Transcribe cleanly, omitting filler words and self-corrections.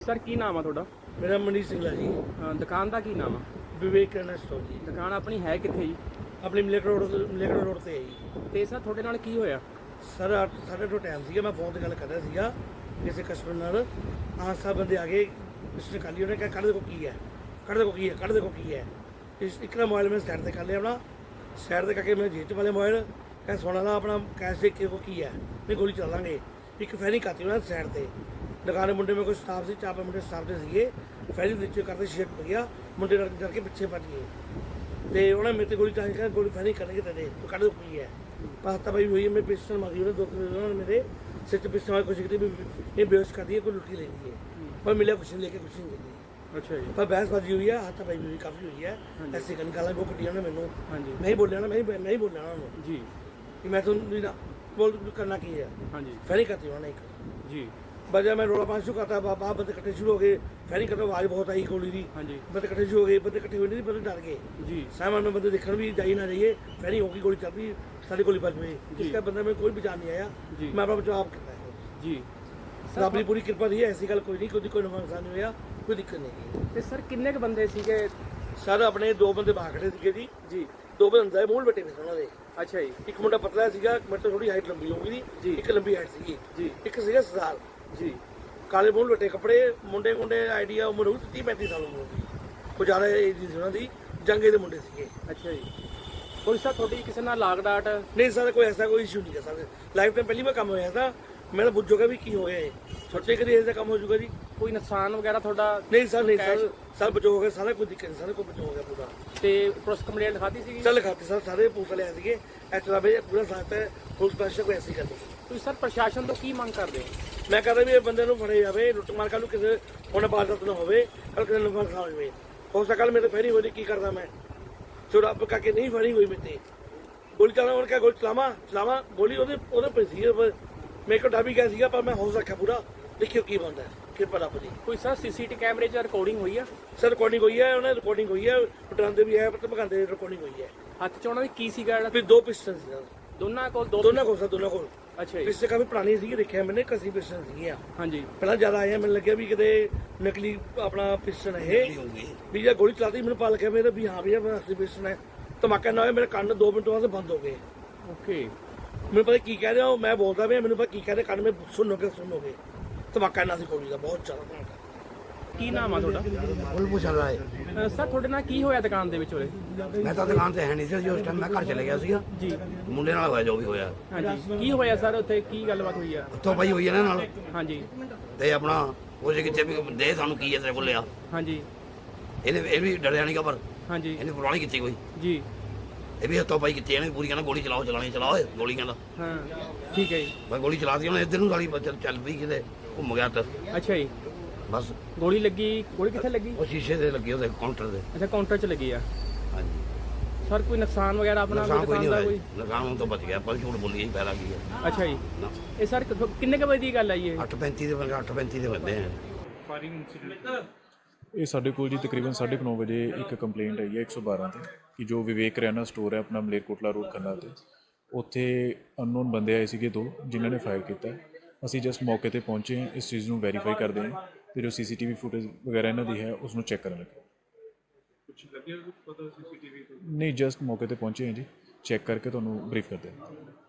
Sir की नाम है थोड़ा? मेरा मनीष सिंगला जी। दुकान का की नाम है? विवेक किराना स्टोर जी। दुकान अपनी है कितने जी? अपनी ਮਲੇਕਰੋੜ ਰੋਡ ਤੇ ਹੈ ਜੀ। ਤੇ ਸਰ ਤੁਹਾਡੇ ਨਾਲ ਕੀ ਹੋਇਆ? ਸਰ 8:30 ਟਾਈਮ ਸੀਗਾ, ਮੈਂ ਫੋਨ ਤੇ ਗੱਲ ਕਰ ਰਿਹਾ ਸੀਗਾ ਕਿਸੇ ਕਸਟਮਰ ਨਾਲ। ਆਹ ਬੰਦੇ ਆ ਗਏ, ਮਿਸਟਰ ਕਾਲੀ ਉਹਨੇ ਕਿਹਾ ਕੱਢ ਦੇਖੋ ਕੀ ਹੈ, ਕੱਢ ਦੇਖੋ ਕੀ ਹੈ, ਕੱਢ ਦੇਖੋ ਕੀ ਹੈ। ਇੱਕ ਨਾ ਮੋਬਾਈਲ ਮੈਂ ਸਾਈਡ ਤੇ ਕਰ ਲਿਆ, ਆਪਣਾ ਸਾਈਡ ਤੇ ਕਰਕੇ ਮੈਂ ਜੇਬ ਵਾਲੇ ਮੋਬਾਈਲ ਕਹਿੰਦਾ ਸੋਨਾ ਦਾ ਆਪਣਾ ਕੈਸ਼ ਦੇਖ ਕੇ ਕੀ ਹੈ, ਨਹੀਂ ਗੋਲੀ ਚਲਾ ਲਾਂਗੇ। ਇੱਕ ਫੈਰਿੰਗ ਕਰਤੀ ਉਹਨਾਂ ਸਾਈਡ ਤੇ। ਦੁਕਾਨ ਦੇ ਮੁੰਡੇ ਮੇਰੇ ਕੋਲ ਸਟਾਫ ਸੀ, 4-5 ਮੁੰਡੇ ਸਟਾਫ ਦੇ ਸੀਗੇ। ਫੈਰਿੰਗ ਨੀਚੇ ਕਰਦੇ ਸ਼ੇਕ ਪੈ ਗਿਆ, ਮੁੰਡੇ ਡਰ ਕੇ ਪਿੱਛੇ ਭੱਜ ਗਏ ਤੇ ਉਹਨੇ ਮੇਰੇ ਤੇ ਗੋਲੀ ਚਲਾ ਕੇ ਗੋਲੀ ਫੈਰਿੰਗ ਕਰਨਗੇ ਤੇਰੇ ਤੂੰ ਕੱਢ ਦੇਖੋ ਕੀ ਹੈ। ਪਾਸਤਾ ਭਾਈ ਹੋਈ ਹੈ, ਮੈਂ ਪਿਸਟਲ ਮਾਰੀ ਉਹਨੇ 2-3 ਉਹਨਾਂ ਨੇ ਮੇਰੇ ਸਿਰ 'ਚ ਪਿਸਟਲ ਮਾਰ ਕੋਸ਼ਿਸ਼ ਕੀਤੀ ਵੀ ਇਹ ਬੇਹੋਸ਼ ਕਰ ਦਈਏ, ਕੋਈ ਲੁੱਟੀ ਲੈ ਲਈਏ, ਪਰ ਮਿਲਿਆ ਕੁਛ ਨਹੀਂ, ਲੈ ਕੇ ਕੁਛ ਨਹੀਂ ਗਈ। ਅੱਛਾ ਜੀ। ਪਰ ਬਹਿਸਬਾਜ਼ੀ ਹੋਈ ਹੈ, ਹੱਥ ਪਾਈ ਹੋਈ ਕਾਫੀ ਹੋਈ ਹੈ। ਐਸੀ ਗਾਲਾਂ ਬਹੁਤ ਕੱਢੀਆਂ ਨੇ ਮੈਨੂੰ। ਹਾਂਜੀ। ਮੈਂ ਹੀ ਬੋਲਿਆ ਨਾ, ਮੈਂ ਹੀ ਬੋਲਿਆ ਉਹਨਾਂ ਨੂੰ ਜੀ ਕਿ ਮੈਂ ਤੁਹਾਨੂੰ ਨਾ ਬੋਲ ਕਰਨਾ ਕੀ ਹੈ। ਹਾਂਜੀ। ਫੈਰਿੰਗ ਕਰਤੀ ਉਹਨਾਂ ਨੇ ਇੱਕ ਜੀ। बजा मैं रोला पाँच करता बाबा बंदे कट्ठे शुरू हो गए। फैरिंग करते आवाज़ बहुत आई गोली की। हाँ जी। बंदे कट्ठे शुरू हो गए, बंदे कट्ठे हुए नहीं, बंदे डर गए जी। सामान में बंदे देखने भी जाइए ना जाइए, फैरिंग होगी, गोली चल रही, सारी गोली बच गई। इसका बंदा में कोई बचाव नहीं आया जी। मैं अपना बचाव करता है जी। रब की पूरी कृपा रही है, ऐसी गल कोई नहीं, कोई नुकसान नहीं होया, कोई दिक्कत नहीं। ਤੇ ਸਰ ਕਿੰਨੇ ਕ ਬੰਦੇ ਸੀਗੇ? सर अपने 2 बंदे बाहर खड़े थे जी। ਜੀ। 2 बंदे मूल बटे थे उन्होंने। ਅੱਛਾ ਜੀ। एक मुंडा पतला सीगा, मेरे तो थोड़ी हाइट लंबी होगी जी। एक लंबी हाइट सीगी जी। एक सीगा सरदार जी। काले मूल बटे कपड़े, मुंडे आइडिया उम्र होगी 30-35 साल उम्र होगी, कुछ ज़्यादा एज नहीं उन्होंने दी, जंगे के मुंडे सीगे। ਅੱਛਾ ਜੀ। ਕੋਈ ਸਰ ਤੁਹਾਡੀ ਕਿਸੇ ਨਾਲ ਲਾਗ ਡਾਟ? नहीं सर कोई ऐसा कोई इशू नहीं है सर। लाइफ टाइम पहली बार काम होया था, मैं तो बुझ भी की हो गया है, सोचे कभी ऐसा काम हो चुका जी। ਕੋਈ ਨੁਕਸਾਨ ਵਗੈਰਾ ਤੁਹਾਡਾ? नहीं सर, नहीं सर, सर बचो हो गया सारा, कोई दिक्कत नहीं सर, कोई बचो हो गया पूरा। ਤੇ ਪੁਲਿਸ ਕੰਪਲੇਂਟ ਖਾਦੀ ਸੀਗੀ? चल खाते सर सारे पुलिस वाले आए थे, ऐसा भाई पूरा साथ है, पुलिस प्रशासन को ऐसे ही करते। ਤੁਸੀਂ ਸਰ ਪ੍ਰਸ਼ਾਸਨ ਤੋਂ ਕੀ ਮੰਗ ਕਰਦੇ ਹੋ? मैं कहता भी ये बंदे ਨੂੰ ਫੜੇ ਜਾਵੇ, ਲੁੱਟ ਮਾਰ ਕੱਲ ਨੂੰ ਕਿਸੇ ਹੁਣ ਬਾਜ਼ਾਰ ਨਾ ਹੋਵੇ, ਕੱਲ ਕਿਸੇ ਨੂੰ ਨੁਕਸਾਨ ਹੋਵੇ। ਹੋ ਸਕਾ ਮੇਰੇ ਫੈਰੀ ਹੋਈ ਕੀ ਕਰਦਾ ਮੈਂ, ਜੋ ਰੱਬ ਕਰਕੇ ਨਹੀਂ ਫੈਰੀ ਹੋਈ ਮੇਤੇ ਗੋਲੀ ਚਲਾਉਣ ਉਹਨੇ ਕਿਹਾ ਗੋਲੀ ਚਲਾਵਾਂ ਗੋਲੀ ਉਹਦੇ ਪੈਸੀ ਮੇਰੇ ਕੋਲ ਡਰ ਵੀ ਗਿਆ ਸੀਗਾ, ਪਰ ਮੈਂ ਹੌਸਲਾ ਰੱਖਿਆ ਪੂਰਾ। ਦੇਖਿਓ ਕੀ ਬਣਦਾ ਕਿਰਪਾ ਰੱਬ ਦੀ। ਕੋਈ ਸਰ ਸੀਸੀਟੀ ਕੈਮਰੇ 'ਚ ਰਿਕਾਰਡਿੰਗ ਹੋਈ ਆ? ਸਰ ਰਿਕਾਰਡਿੰਗ ਹੋਈ ਹੈ, ਉਹਨੇ ਰਿਕਾਰਡਿੰਗ ਹੋਈ ਹੈ, ਡਰਾਉਂਦੇ ਵੀ ਹੈ, ਪਰ ਭਗਾਉਂਦੇ ਰਿਕਾਰਡਿੰਗ ਹੋਈ ਹੈ। ਹੱਥ 'ਚ ਉਹਨਾਂ ਦੇ ਕੀ ਸੀਗਾ ਜਿਹੜਾ? ਫਿਰ 2 ਪਿਸਟਲ ਸੀ ਸਰ, ਦੋਨਾਂ ਕੋਲ ਦੋਨਾਂ ਕੋਲ ਸਰ, ਦੋਨਾਂ ਕੋਲ। ਅੱਛਾ ਜੀ। ਪਿਸਟਲ ਕਾਫੀ ਪੁਰਾਣੀ ਸੀਗੀ, ਦੇਖਿਆ ਮੈंने ਕਸੀ ਪਿਸਟਲ ਸੀਗੀਆਂ। ਹਾਂਜੀ। ਪਹਿਲਾਂ ਜ਼ਿਆਦਾ ਆਇਆ, ਮੈਨੂੰ ਲੱਗਿਆ ਵੀ ਕਿਤੇ ਨਕਲੀ ਆਪਣਾ ਪਿਸਟਲ ਹੈ ਵੀ ਜੇ ਗੋਲੀ ਚਲਾਤੀ ਮੈਨੂੰ ਪਤਾ ਲੱਗਿਆ ਮੇਰੇ ਵੀ ਹਾਂ ਵੀ ਇਹ ਅਸਲੀ ਪਿਸਟਲ ਹੈ। ਧਮਾਕਾ ਨਾ ਹੋਇਆ, ਮੇਰੇ ਕੰਨ 2 ਮਿੰਟ ਬਾਅਦ ਬੰਦ ਹੋ ਗਏ। ਓਕੇ। ਮੈਨੂੰ ਪਤਾ ਕੀ ਕਹਿ ਰਹੇ ਹੋ, ਮੈਂ ਬੋਲਦਾ ਪਿਆ, ਮੈਨੂੰ ਪਤਾ ਕੀ ਕਹਿ ਰਹੇ, ਕੰਨ ਮੇ ਸੁਣੋਗੇ। ਧਮਾਕਾ ਨਾ ਸੀ ਗੋਲੀ ਦਾ, ਬਹੁਤ ਜ਼ਿਆਦਾ ਧਮਾਕਾ। ਕੀ ਨਾਮ ਆ ਤੁਹਾਡਾ? ਕੁਲਭੂਸ਼ਣ ਰਾਏ। ਸਰ ਤੁਹਾਡੇ ਨਾਲ ਕੀ ਹੋਇਆ ਦੁਕਾਨ ਦੇ ਵਿੱਚ ਉਰੇ? ਮੈਂ ਤਾਂ ਦੁਕਾਨ ਤੇ ਹੈ ਨਹੀਂ ਸੀ ਉਸ ਟਾਈਮ, ਮੈਂ ਘਰ ਚਲੇ ਗਿਆ ਸੀਗਾ ਜੀ। ਮੁੰਡੇ ਨਾਲ ਹੋਇਆ ਜੋ ਵੀ ਹੋਇਆ। ਹਾਂਜੀ। ਕੀ ਹੋਇਆ ਸਰ ਉੱਥੇ, ਕੀ ਗੱਲਬਾਤ ਹੋਈ ਆ? ਉੱਥੋਂ ਪਈ ਹੋਈ ਇਹਨਾਂ ਨਾਲ ਹਾਂਜੀ। ਤੇ ਆਪਣਾ ਉਹ ਜੇ ਕਿਤੇ ਵੀ ਦੇ ਸਾਨੂੰ ਕੀ ਹੈ ਤੇਰੇ ਕੋਲ ਲਿਆ, ਹਾਂਜੀ। ਇਹ ਵੀ ਡਰਿਆ ਨਹੀਂ ਪਰ ਹਾਂਜੀ। ਇਹਨੇ ਪੁਰਾਣੀ ਕੀਤੀ ਕੋਈ, ਜੀ। ਇਹ ਵੀ ਹੱਥੋਂ ਪਾਈ ਕੀਤੀ ਇਹਨੇ ਪੂਰੀ, ਕਹਿੰਦਾ ਗੋਲੀ ਚਲਾਓ ਓਏ ਗੋਲੀ, ਕਹਿੰਦਾ ਹਾਂ ਠੀਕ ਹੈ ਜੀ। ਮੈਂ ਗੋਲੀ ਚਲਾਤੀ ਉਹਨੇ ਇੱਧਰ ਨੂੰ ਸਾਲੀ ਚੱਲ ਪਈ ਕਿਤੇ ਘੁੰਮ ਗਿਆ ਤਾਂ ਅੱਛਾ ਜੀ। ਬਸ ਗੋਲੀ ਲੱਗੀ? ਗੋਲੀ ਕਿੱਥੇ ਲੱਗੀ? ਉਹ ਸ਼ੀਸ਼ੇ ਤੇ ਲੱਗੀ ਉਹਦੇ ਕਾਊਂਟਰ ਦੇ। ਅੱਛਾ ਕਾਊਂਟਰ 'ਚ ਲੱਗੀ ਆ। ਹਾਂਜੀ। ਸਰ ਕੋਈ ਨੁਕਸਾਨ ਵਗੈਰਾ ਆਪਣਾ ਨੁਕਸਾਨ ਕੋਈ ਨਹੀਂ ਦੁਕਾਨ ਦਾ ਹੋਇਆ, ਨੁਕਸਾਨ ਹੁਣ ਤੋਂ ਬਚ ਗਿਆ, ਪਰ ਝੂਠ ਬੋਲੀ ਫਾਇਦਾ ਕੀ ਹੈ। ਅੱਛਾ ਜੀ। ਨਾ ਇਹ ਸਰ ਕਿੰਨੇ ਕ ਵਜੇ ਦੀ ਗੱਲ ਆਈ ਇਹ? 8:35 ਦੇ ਬੰਦੇ 8:35 ਦੇ ਬੰਦੇ ਆ। ਇਹ ਸਾਡੇ ਕੋਲ ਜੀ ਤਕਰੀਬਨ 9:30 ਵਜੇ ਇੱਕ ਕੰਪਲੇਂਟ ਆਈ ਹੈ 112 ਤੇ ਕਿ ਜੋ ਵਿਵੇਕ ਕਰਿਆਨਾ ਸਟੋਰ ਹੈ ਆਪਣਾ ਮਲੇਰਕੋਟਲਾ ਰੋਡ ਖੰਨਾ ਤੇ, ਉੱਥੇ ਅਨਨੋਨ ਬੰਦੇ ਆਏ ਸੀਗੇ 2 ਜਿਨ੍ਹਾਂ ਨੇ ਫਾਇਰ ਕੀਤਾ। ਅਸੀਂ ਜਸਟ ਮੌਕੇ ਤੇ ਪਹੁੰਚੇ ਹਾਂ, ਇਸ ਚੀਜ਼ ਨੂੰ ਵੈਰੀਫਾਈ ਕਰਦੇ ਹਾਂ ਤੇ ਜੋ ਸੀਸੀਟੀਵੀ ਫੁਟੇਜ ਵਗੈਰਾ ਇਹਨਾਂ ਦੀ ਹੈ ਉਸ ਨੂੰ ਚੈੱਕ ਕਰਨ ਲੱਗੇ। ਕੁਝ ਲੱਗਿਆ ਪਤਾ ਸੀਸੀਟੀਵੀ ਤੋਂ? ਨਹੀਂ, ਜਸਟ ਮੌਕੇ ਤੇ ਪਹੁੰਚੇ ਹਾਂ ਜੀ, ਚੈੱਕ ਕਰਕੇ ਤੁਹਾਨੂੰ ਬਰੀਫ ਕਰਦੇ ਹਾਂ।